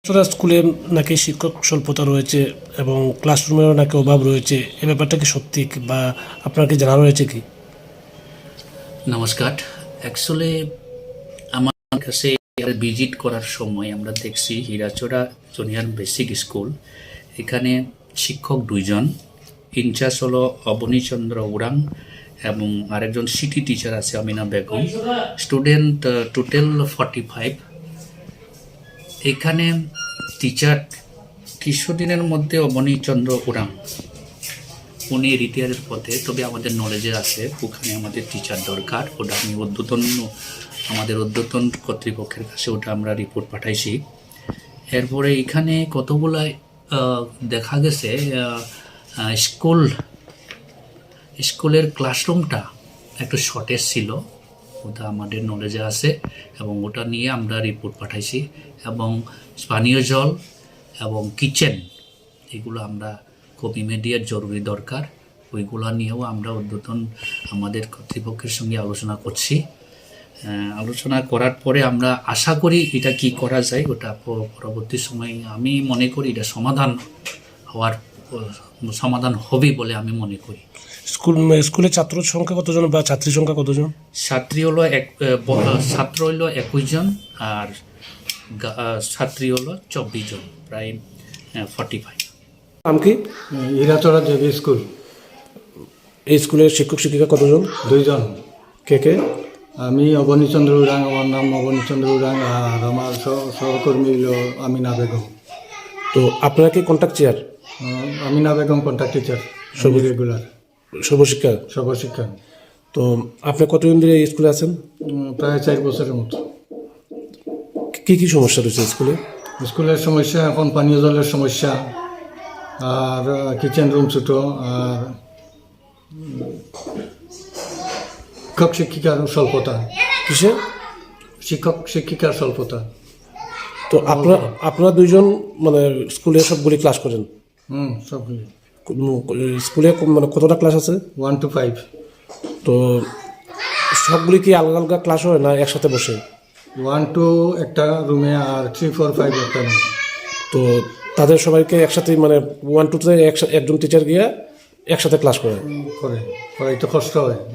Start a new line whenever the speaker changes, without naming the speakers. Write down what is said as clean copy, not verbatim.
স্কুলে নাকি শিক্ষক স্বল্পতা রয়েছে এবং ক্লাসরুমেরও নাকি অভাব রয়েছে, এ ব্যাপারটা কি সত্যি বা আপনার কি জানা রয়েছে কি?
নমস্কার। অ্যাকচুয়ালি আমার কাছে ভিজিট করার সময় আমরা দেখছি হীরাচড়া জুনিয়র বেসিক স্কুল, এখানে শিক্ষক 2 জন, ইনচার্জ হলো অবনীচন্দ্র উরাং এবং আরেকজন সিটি টিচার আছে আমিনা বেগম, স্টুডেন্ট টোটাল 45। এখানে টিচার কিছুদিনের মধ্যে অবনীচন্দ্র উরাং উনি রিটায়ারের পথে, তবে আমাদের নলেজে আছে ওখানে আমাদের টিচার দরকার। ওটা আমি আমাদের ঊর্ধ্বতন কর্তৃপক্ষের কাছে ওটা আমরা রিপোর্ট পাঠাইছি। এরপরে এখানে কতগুলো দেখা গেছে স্কুলের ক্লাসরুমটা একটু শর্টেজ ছিল, ওটা আমাদের নলেজে আছে এবং ওটা নিয়ে আমরা রিপোর্ট পাঠাইছি। এবং পানীয় জল এবং কিচেন এগুলো আমরা খুব ইমিডিয়েট জরুরি দরকার, ওইগুলো নিয়েও আমরা ঊর্ধ্বতন আমাদের কর্তৃপক্ষের সঙ্গে আলোচনা করছি। আলোচনা করার পরে আমরা আশা করি এটা কি করা যায়, ওটা পরবর্তী সময়ে আমি মনে করি এটা সমাধান হবে বলে আমি মনে করি।
স্কুলে ছাত্র সংখ্যা কতজন বা ছাত্রী সংখ্যা কতজন?
ছাত্র হলো 21 জন আর ছাত্রী হলো 24 জন, প্রায় 45।
নাম কি?
Hirachara JB school.
এই স্কুলের শিক্ষক শিক্ষিকা কতজন?
2 জন।
কে কে?
আমি অবনীচন্দ্র উরাং, আমার নাম অবনীচন্দ্র উরাং, আর আমার সহকর্মী হলো আমিনা বেগম।
তো আপনারা কি contact teacher?
Amina Begum contact teacher, regular
Sarvashiksha.
Sarvashiksha.
তো আপনি কতদিন ধরে এই স্কুলে আছেন?
প্রায় 4 বছরের মতো।
কি কি সমস্যা রয়েছে স্কুলে?
স্কুলের সমস্যা এখন পানীয় জলের সমস্যা, আর কিচেন রুম ছোটো, আর শিক্ষক শিক্ষিকার স্বল্পতা।
কিসে?
শিক্ষক শিক্ষিকার স্বল্পতা।
তো আপনারা 2 জন মানে স্কুলে সবগুলি ক্লাস করেন?
সবগুলি।
স্কুলে মানে কতটা ক্লাস আছে?
1 to 5।
তো সবগুলি কি আলাদা আলাদা ক্লাস হয় না একসাথে বসে?
1 to একটা রুমে, আর 3, 4, 5 একটা রুমে।
তো তাদের সবাইকে একসাথে মানে 1 2 তে একজন টিচার গিয়ে একসাথে ক্লাস করে?
করাইতে কষ্ট হয়।